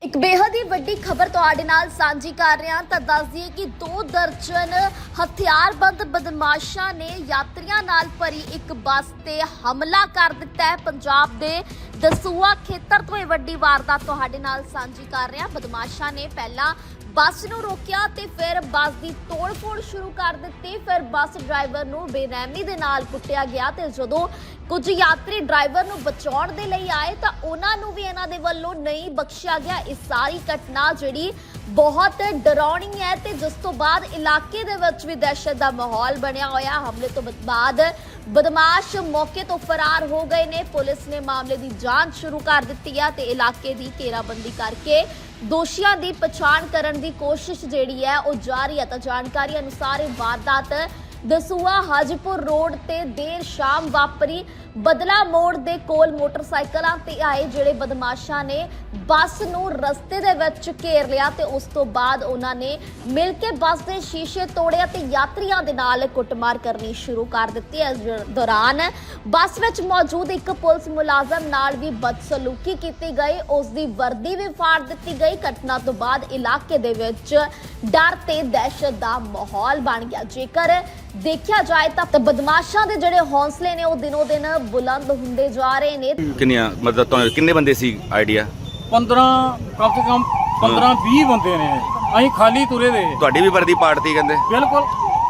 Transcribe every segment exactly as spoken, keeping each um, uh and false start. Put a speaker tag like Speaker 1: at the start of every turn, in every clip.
Speaker 1: ਇੱਕ ਬੇहद ਹੀ ਵੱਡੀ ਖਬਰ ਤੁਹਾਡੇ ਨਾਲ ਸਾਂਝੀ ਕਰ ਰਹੇ ਹਾਂ ਤਾਂ ਦੱਸ ਦਈਏ ਕਿ ਦੋ ਦਰਜਨ ਹਥਿਆਰਬੰਦ ਬਦਮਾਸ਼ਾਂ ਨੇ ਯਾਤਰੀਆਂ ਨਾਲ ਭਰੀ ਇੱਕ ਬੱਸ ਤੇ ਹਮਲਾ ਕਰ ਦਿੱਤਾ ਹੈ। ਪੰਜਾਬ ਦੇ ਦਸੂਹਾ ਖੇਤਰ ਤੋਂ ਇਹ ਵੱਡੀ ਵਾਰਦਾਤ ਤੁਹਾਡੇ ਨਾਲ ਸਾਂਝੀ ਕਰ ਰਹੇ ਹਾਂ। ਬਦਮਾਸ਼ਾਂ ਨੇ ਪਹਿਲਾਂ ਬੱਸ ਨੂੰ ਰੋਕਿਆ ਤੇ ਫਿਰ ਬੱਸ ਦੀ ਤੋੜ-ਫੋੜ ਸ਼ੁਰੂ ਕਰ ਦਿੱਤੀ। ਫਿਰ ਬੱਸ ਡਰਾਈਵਰ ਨੂੰ ਬੇਰਹਿਮੀ ਦੇ ਨਾਲ ਕੁੱਟਿਆ ਗਿਆ ਤੇ ਜਦੋਂ ਕੁਝ ਯਾਤਰੀ ਡਰਾਈਵਰ ਨੂੰ ਬਚਾਉਣ ਦੇ ਲਈ ਆਏ ਤਾਂ ਉਹਨਾਂ ਨੂੰ ਵੀ ਇਹਨਾਂ ਦੇ ਵੱਲੋਂ ਨਹੀਂ ਬਖਸ਼ਿਆ ਗਿਆ। ਇਸ ਸਾਰੀ ਘਟਨਾ ਜਿਹੜੀ ਬਹੁਤ ਡਰਾਉਣੀ ਹੈ ਤੇ ਜਿਸ ਤੋਂ ਬਾਅਦ ਇਲਾਕੇ ਦੇ ਵਿੱਚ ਵੀ ਦਹਿਸ਼ਤ ਦਾ ਮਾਹੌਲ ਬਣਿਆ ਹੋਇਆ। ਹਮਲੇ ਤੋਂ ਬਾਅਦ ਬਦਮਾਸ਼ ਮੌਕੇ ਤੋਂ ਫਰਾਰ ਹੋ ਗਏ ਨੇ। ਪੁਲਿਸ ਨੇ ਮਾਮਲੇ ਦੀ ਜਾਂਚ ਸ਼ੁਰੂ ਕਰ ਦਿੱਤੀ ਹੈ ਤੇ ਇਲਾਕੇ ਦੀ ਘੇਰਾਬੰਦੀ ਕਰਕੇ ਦੋਸ਼ੀਆਂ ਦੀ ਪਛਾਣ ਕਰਨ ਦੀ ਕੋਸ਼ਿਸ਼ ਜਿਹੜੀ ਹੈ ਉਹ ਜਾਰੀ ਹੈ। ਤਾਂ ਜਾਣਕਾਰੀ ਅਨੁਸਾਰ ਇਹ ਵਾਰਦਾਤ ਦਸੂਹਾ ਹਾਜੀਪੁਰ ਰੋਡ ਤੇ ਦੇਰ ਸ਼ਾਮ ਵਾਪਰੀ। ਬਦਲਾ ਮੋੜ ਦੇ ਕੋਲ ਮੋਟਰਸਾਈਕਲਾਂ ਤੇ ਆਏ ਜਿਹੜੇ ਬਦਮਾਸ਼ਾਂ ਨੇ ਬੱਸ ਨੂੰ ਰਸਤੇ ਦੇ ਵਿੱਚ ਘੇਰ ਲਿਆ ਤੇ ਉਸ ਤੋਂ ਬਾਅਦ ਉਹਨਾਂ ਨੇ ਮਿਲ ਕੇ ਬੱਸ ਦੇ ਸ਼ੀਸ਼ੇ ਤੋੜਿਆ ਤੇ ਯਾਤਰੀਆਂ ਦੇ ਨਾਲ ਕੁੱਟਮਾਰ ਕਰਨੀ ਸ਼ੁਰੂ ਕਰ ਦਿੱਤੀ। ਇਸ ਦੌਰਾਨ ਬੱਸ ਵਿੱਚ ਮੌਜੂਦ ਇੱਕ ਪੁਲਿਸ ਮੁਲਾਜ਼ਮ ਨਾਲ ਵੀ ਬਦਸਲੂਕੀ ਕੀਤੀ ਗਈ, ਉਸ ਦੀ ਵਰਦੀ ਵੀ ਫਾੜ ਦਿੱਤੀ ਗਈ। ਘਟਨਾ ਤੋਂ ਬਾਅਦ ਇਲਾਕੇ ਦੇ ਵਿੱਚ ਡਰ ਤੇ ਦਹਿਸ਼ਤ ਦਾ ਮਾਹੌਲ ਬਣ ਗਿਆ। ਜੇਕਰ ਦੇਖਿਆ ਜਾਏ ਤਾਂ ਬਦਮਾਸ਼ਾਂ ਦੇ ਜਿਹੜੇ ਹੌਸਲੇ ਨੇ ਉਹ ਦਿਨੋਂ ਦਿਨ ਬੁਲੰਦ ਹੁੰਦੇ ਜਾ ਰਹੇ ਨੇ।
Speaker 2: ਕਿੰਨੀਆਂ ਮਤਲਬ ਤੁਹਾਨੂੰ ਕਿੰਨੇ ਬੰਦੇ ਸੀ ਆਈਡੀਆ?
Speaker 3: ਪੰਦਰਾਂ ਕਮ ਸੇ ਕਮ ਪੰਦਰਾਂ ਵੀਹ ਬੰਦੇ ਨੇ। ਅਸੀਂ ਖਾਲੀ ਤੁਰੇ ਦੇ।
Speaker 2: ਤੁਹਾਡੀ ਵੀ ਵਰਦੀ ਪਾੜਤੀ ਕਹਿੰਦੇ?
Speaker 3: ਬਿਲਕੁਲ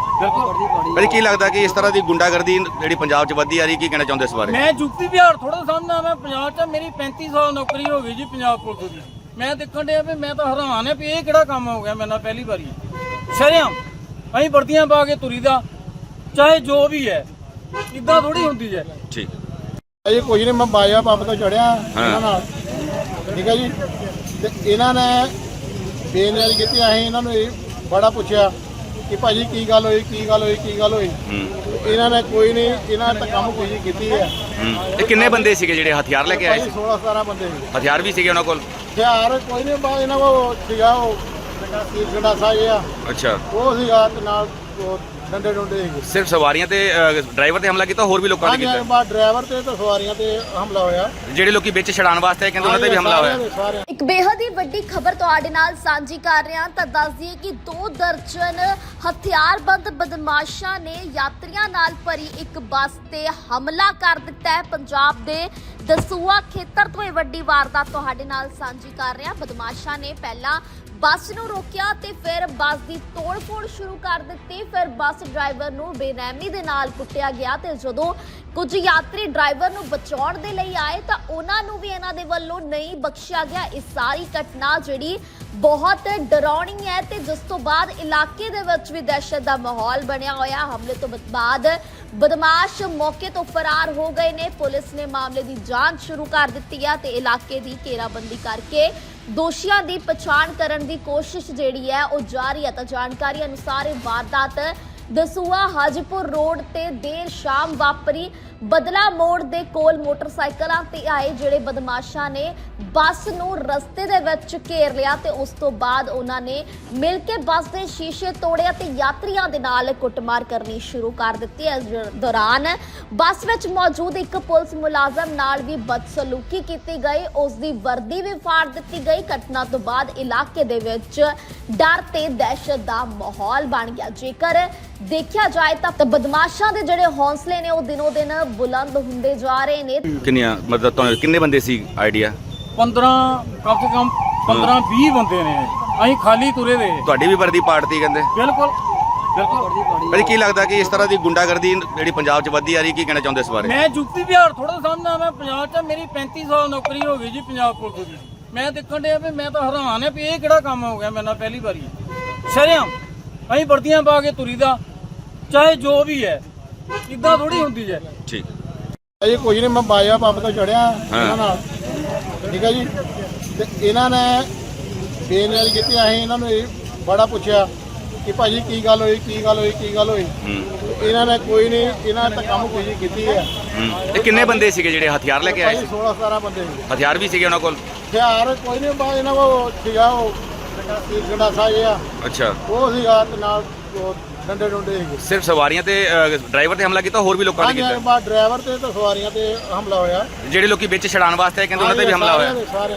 Speaker 3: ਬਿਲਕੁਲ।
Speaker 2: ਭਾਜੀ ਕੀ ਲੱਗਦਾ ਕਿ ਇਸ ਤਰ੍ਹਾਂ ਦੀ ਗੁੰਡਾਗਰਦੀ ਜਿਹੜੀ ਪੰਜਾਬ 'ਚ ਵੱਧਦੀ ਆ ਰਹੀ, ਕੀ ਕਹਿਣਾ ਚਾਹੁੰਦੇ ਇਸ ਬਾਰੇ?
Speaker 3: ਮੈਂ ਯੂਪੀ ਬਿਹਾਰ ਥੋੜਾ ਸਮਝਦਾ, ਮੈਂ ਪੰਜਾਬ 'ਚ ਮੇਰੀ ਪੈਂਤੀ ਸਾਲ ਨੌਕਰੀ ਹੋ ਗਈ ਜੀ ਪੰਜਾਬ ਪੁਲਿਸ ਦੀ। ਮੈਂ ਦੇਖਣ ਡਿਆ ਵੀ ਮੈਂ ਤਾਂ ਹੈਰਾਨ ਆ ਵੀ ਇਹ ਕਿਹੜਾ ਕੰਮ ਹੋ ਗਿਆ ਮੇਰੇ ਨਾਲ ਪਹਿਲੀ ਵਾਰੀ। ਸ਼ਰੇਆਮ ਅਸੀਂ ਵਰਦੀਆਂ ਪਾ ਕੇ ਤੁਰੀ ਦਾ, ਚਾਹੇ ਜੋ ਵੀ ਹੈ, ਇਦਾਂ ਥੋੜੀ ਹੁੰਦੀ ਹੈ।
Speaker 2: ਠੀਕ
Speaker 4: ਇਹ ਕੁਝ ਨਹੀਂ, ਮੈਂ ਬਾਇਆ ਪੰਪ ਤੋਂ ਚੜਿਆ ਇਹਨਾਂ ਨਾਲ, ਠੀਕ ਹੈ ਜੀ। ਤੇ ਇਹਨਾਂ ਨੇ ਬੇਨਿਆਰੀ ਕੀਤੀ। ਅਸੀਂ ਇਹਨਾਂ ਨੂੰ ਇਹ ਬੜਾ ਪੁੱਛਿਆ ਕਿ ਭਾਜੀ ਕੀ ਗੱਲ ਹੋਈ, ਕੀ ਗੱਲ ਹੋਈ, ਕੀ ਗੱਲ ਹੋਈ। ਇਹਨਾਂ ਨੇ ਕੋਈ ਨਹੀਂ, ਇਹਨਾਂ ਨੇ ਤਾਂ ਕੰਮ ਕੋਈ ਕੀਤੀ ਹੈ।
Speaker 2: ਇਹ ਕਿੰਨੇ ਬੰਦੇ ਸੀਗੇ ਜਿਹੜੇ ਹਥਿਆਰ ਲੈ ਕੇ ਆਏ ਸੀ?
Speaker 4: ਸੋਲਾਂ ਸਤਾਰਾਂ ਬੰਦੇ ਸੀ।
Speaker 2: ਹਥਿਆਰ ਵੀ ਸੀਗੇ ਉਹਨਾਂ ਕੋਲ?
Speaker 4: ਹਥਿਆਰ ਕੋਈ ਨਹੀਂ, ਬਾ ਇਹਨਾਂ ਕੋਲ ਸੀਗਾ ਉਹ ਗੰਡਾਸਾ ਜਿਹਾ,
Speaker 2: ਅੱਛਾ
Speaker 4: ਉਹ ਸੀਗਾ ਤੇ ਨਾਲ ਉਹ ਡੰਡੇ ਡੁੰਡੇ ਸੀਗੇ।
Speaker 2: ਸਿਰਫ ਸਵਾਰੀਆਂ ਤੇ ਡਰਾਈਵਰ ਤੇ ਹਮਲਾ ਕੀਤਾ, ਹੋਰ ਵੀ ਲੋਕਾਂ ਨੇ
Speaker 4: ਹਾਂਜੀ,
Speaker 2: ਕੀਤਾ?
Speaker 4: ਬਾਅਦ ਡਰਾਈਵਰ ਤੇ ਤੇ ਸਵਾਰੀਆਂ ਤੇ ਹਮਲਾ ਹੋਇਆ।
Speaker 2: ਜਿਹੜੇ ਲੋਕੀ ਵਿੱਚ ਛਡਾਣ ਵਾਸਤੇ ਆਏ ਕਹਿੰਦੇ ਉਹਨਾਂ ਤੇ ਵੀ ਹਮਲਾ ਹੋਇਆ।
Speaker 1: ਇੱਕ ਬੇहद ਹੀ ਵੱਡੀ ਖਬਰ ਤੁਹਾਡੇ ਨਾਲ ਸਾਂਝੀ ਕਰ ਰਹੇ ਹਾਂ ਤਾਂ ਦੱਸ ਦਈਏ ਕਿ ਦੋ ਦਰਜਨ ਹਥਿਆਰਬੰਦ ਬਦਮਾਸ਼ਾਂ ਨੇ ਯਾਤਰੀਆਂ ਨਾਲ ਭਰੀ ਇੱਕ ਬੱਸ ਤੇ ਹਮਲਾ ਕਰ ਦਿੱਤਾ ਹੈ। ਪੰਜਾਬ ਦੇ ਦਸੂਹਾ ਖੇਤਰ ਤੋਂ ਇਹ ਵੱਡੀ ਵਾਰਦਾਤ ਤੁਹਾਡੇ ਨਾਲ ਸਾਂਝੀ ਕਰ ਰਹੇ ਹਾਂ। ਬਦਮਾਸ਼ਾਂ ਨੇ ਪਹਿਲਾਂ ਬੱਸ ਨੂੰ ਰੋਕਿਆ ਤੇ ਫਿਰ ਬੱਸ ਦੀ ਤੋੜ-ਫੋੜ ਸ਼ੁਰੂ ਕਰ ਦਿੱਤੀ। ਫਿਰ ਬੱਸ ਡਰਾਈਵਰ ਨੂੰ ਬੇਰਹਿਮੀ ਦੇ ਨਾਲ ਕੁੱਟਿਆ ਗਿਆ ਤੇ ਜਦੋਂ ਕੁਝ ਯਾਤਰੀ ਡਰਾਈਵਰ ਨੂੰ ਬਚਾਉਣ ਦੇ ਲਈ ਆਏ ਤਾਂ ਉਹਨਾਂ ਨੂੰ ਵੀ ਇਹਨਾਂ ਦੇ ਵੱਲੋਂ ਨਹੀਂ ਬਖਸ਼ਿਆ ਗਿਆ। ਇਸ ਸਾਰੀ ਘਟਨਾ ਜਿਹੜੀ ਬਹੁਤ ਡਰਾਉਣੀ ਹੈ ਤੇ ਜਿਸ ਤੋਂ ਬਾਅਦ ਇਲਾਕੇ ਦੇ ਵਿੱਚ ਵੀ ਦਹਿਸ਼ਤ ਦਾ ਮਾਹੌਲ ਬਣਿਆ ਹੋਇਆ। ਹਮਲੇ ਤੋਂ ਬਾਅਦ ਬਦਮਾਸ਼ ਮੌਕੇ ਤੋਂ ਫਰਾਰ ਹੋ ਗਏ ਨੇ। ਪੁਲਿਸ ਨੇ ਮਾਮਲੇ ਦੀ ਜਾਂਚ ਸ਼ੁਰੂ ਕਰ ਦਿੱਤੀ ਹੈ ਤੇ ਇਲਾਕੇ ਦੀ ਘੇਰਾਬੰਦੀ ਕਰਕੇ ਦੋਸ਼ੀਆਂ ਦੀ ਪਛਾਣ ਕਰਨ ਦੀ ਕੋਸ਼ਿਸ਼ ਜਿਹੜੀ ਹੈ ਉਹ ਜਾਰੀ ਹੈ। ਤਾਂ ਜਾਣਕਾਰੀ ਅਨੁਸਾਰ ਇਹ ਵਾਰਦਾਤ ਦਸੂਹਾ ਹਾਜੀਪੁਰ ਰੋਡ ਤੇ ਦੇਰ ਸ਼ਾਮ ਵਾਪਰੀ। ਬਦਲਾ ਮੋੜ ਦੇ ਕੋਲ ਮੋਟਰਸਾਈਕਲਾਂ ਤੇ ਆਏ ਜਿਹੜੇ ਬਦਮਾਸ਼ਾਂ ਨੇ ਬੱਸ ਨੂੰ ਰਸਤੇ ਦੇ ਵਿੱਚ ਘੇਰ ਲਿਆ ਤੇ ਉਸ ਤੋਂ ਬਾਅਦ ਉਹਨਾਂ ਨੇ ਮਿਲ ਕੇ ਬੱਸ ਦੇ ਸ਼ੀਸ਼ੇ ਤੋੜਿਆ ਤੇ ਯਾਤਰੀਆਂ ਦੇ ਨਾਲ ਕੁੱਟਮਾਰ ਕਰਨੀ ਸ਼ੁਰੂ ਕਰ ਦਿੱਤੀ। ਇਸ ਦੌਰਾਨ ਬੱਸ ਵਿੱਚ ਮੌਜੂਦ ਇੱਕ ਪੁਲਿਸ ਮੁਲਾਜ਼ਮ ਨਾਲ ਵੀ ਬਦਸਲੂਕੀ ਕੀਤੀ ਗਈ, ਉਸ ਦੀ ਵਰਦੀ ਵੀ ਫਾੜ ਦਿੱਤੀ ਗਈ। ਘਟਨਾ ਤੋਂ ਬਾਅਦ ਇਲਾਕੇ ਦੇ ਵਿੱਚ ਡਰ ਤੇ ਦਹਿਸ਼ਤ ਦਾ ਮਾਹੌਲ ਬਣ ਗਿਆ। ਜੇਕਰ ਦੇਖਿਆ ਜਾਏ ਤਾਂ ਬਦਮਾਸ਼ਾਂ ਦੇ ਜਿਹੜੇ ਹੌਸਲੇ ਨੇ ਉਹ ਦਿਨੋਂ ਦਿਨ ਬੁਲੰਦ ਹੁੰਦੇ ਜਾ ਰਹੇ ਨੇ।
Speaker 2: ਕਿੰਨੀਆਂ ਮਤਲਬ ਤੁਹਾਨੂੰ ਕਿੰਨੇ ਬੰਦੇ ਸੀ ਆਈਡੀਆ?
Speaker 3: ਪੰਦਰਾਂ ਕਮ ਸੇ ਕਮ ਪੰਦਰਾਂ ਵੀਹ ਬੰਦੇ ਨੇ। ਅਸੀਂ ਖਾਲੀ ਤੁਰੇ ਦੇ।
Speaker 2: ਤੁਹਾਡੀ ਵੀ ਵਰਦੀ ਪਾੜਤੀ ਕਹਿੰਦੇ?
Speaker 3: ਬਿਲਕੁਲ ਬਿਲਕੁਲ।
Speaker 2: ਭਾਜੀ ਕੀ ਲੱਗਦਾ ਕਿ ਇਸ ਤਰ੍ਹਾਂ ਦੀ ਗੁੰਡਾਗਰਦੀ ਜਿਹੜੀ ਪੰਜਾਬ 'ਚ ਵੱਧਦੀ ਆ ਰਹੀ, ਕੀ ਕਹਿਣਾ ਚਾਹੁੰਦੇ ਇਸ ਬਾਰੇ?
Speaker 3: ਮੈਂ ਯੂਪੀ ਬਿਹਾਰ ਥੋੜਾ ਸਮਝਦਾ, ਮੈਂ ਪੰਜਾਬ 'ਚ ਮੇਰੀ ਪੈਂਤੀ ਸਾਲ ਨੌਕਰੀ ਹੋ ਗਈ ਜੀ ਪੰਜਾਬ ਪੁਲਿਸ ਦੀ। ਮੈਂ ਦੇਖਣ ਡਿਆ ਵੀ ਮੈਂ ਤਾਂ ਹੈਰਾਨ ਆ ਵੀ ਇਹ ਕਿਹੜਾ ਕੰਮ ਹੋ ਗਿਆ ਮੇਰੇ ਨਾਲ ਪਹਿਲੀ ਵਾਰੀ। ਸ਼ਰੇਆਮ ਅਸੀਂ ਵਰਦੀਆਂ ਪਾ ਕੇ ਤੁਰੀ ਦਾ, ਚਾਹੇ ਜੋ ਵੀ ਹੈ, ਇਦਾਂ ਥੋੜੀ ਹੁੰਦੀ ਹੈ।
Speaker 2: ਠੀਕ
Speaker 4: ਇਹ ਕੁਝ ਨਹੀਂ, ਮੈਂ ਬਾਇਆ ਪੰਪ ਤੋਂ ਚੜਿਆ ਇਹਨਾਂ ਨਾਲ, ਠੀਕ ਹੈ ਜੀ। ਤੇ ਇਹਨਾਂ ਨੇ ਬੇਨਿਆਰੀ ਕੀਤੀ। ਅਸੀਂ ਇਹਨਾਂ ਨੂੰ ਇਹ ਬੜਾ ਪੁੱਛਿਆ ਕਿ ਭਾਜੀ ਕੀ ਗੱਲ ਹੋਈ, ਕੀ ਗੱਲ ਹੋਈ, ਕੀ ਗੱਲ ਹੋਈ। ਇਹਨਾਂ ਨੇ ਕੋਈ ਨਹੀਂ, ਇਹਨਾਂ ਨੇ ਤਾਂ ਕੰਮ ਕੋਈ ਕੀਤੀ ਹੈ।
Speaker 2: ਇਹ ਕਿੰਨੇ ਬੰਦੇ ਸੀਗੇ ਜਿਹੜੇ ਹਥਿਆਰ ਲੈ ਕੇ ਆਏ ਸੀ?
Speaker 4: ਸੋਲਾਂ ਸਤਾਰਾਂ ਬੰਦੇ ਸੀ।
Speaker 2: ਹਥਿਆਰ ਵੀ ਸੀਗੇ ਉਹਨਾਂ ਕੋਲ?
Speaker 4: ਹਥਿਆਰ ਕੋਈ ਨਹੀਂ, ਬਾ ਇਹਨਾਂ ਕੋਲ ਸੀਗਾ ਉਹ ਗੰਡਾਸਾ ਜਿਹਾ,
Speaker 2: ਅੱਛਾ
Speaker 4: ਉਹ ਸੀਗਾ ਤੇ ਨਾਲ ਉਹ ਡੰਡੇ ਡੁੰਡੇ ਸੀਗੇ।
Speaker 2: ਸਿਰਫ ਸਵਾਰੀਆਂ ਤੇ ਡਰਾਈਵਰ ਤੇ ਹਮਲਾ ਕੀਤਾ, ਹੋਰ ਵੀ ਲੋਕਾਂ ਨੇ
Speaker 4: ਹਾਂਜੀ,
Speaker 2: ਕੀਤਾ?
Speaker 4: ਬਾਅਦ ਡਰਾਈਵਰ ਤੇ ਤੇ ਸਵਾਰੀਆਂ ਤੇ ਹਮਲਾ ਹੋਇਆ।
Speaker 2: ਜਿਹੜੇ ਲੋਕੀ ਵਿੱਚ ਛਡਾਣ ਵਾਸਤੇ ਆਏ ਕਹਿੰਦੇ ਉਹਨਾਂ ਤੇ ਵੀ ਹਮਲਾ ਹੋਇਆ?
Speaker 4: ਸਾਰੇ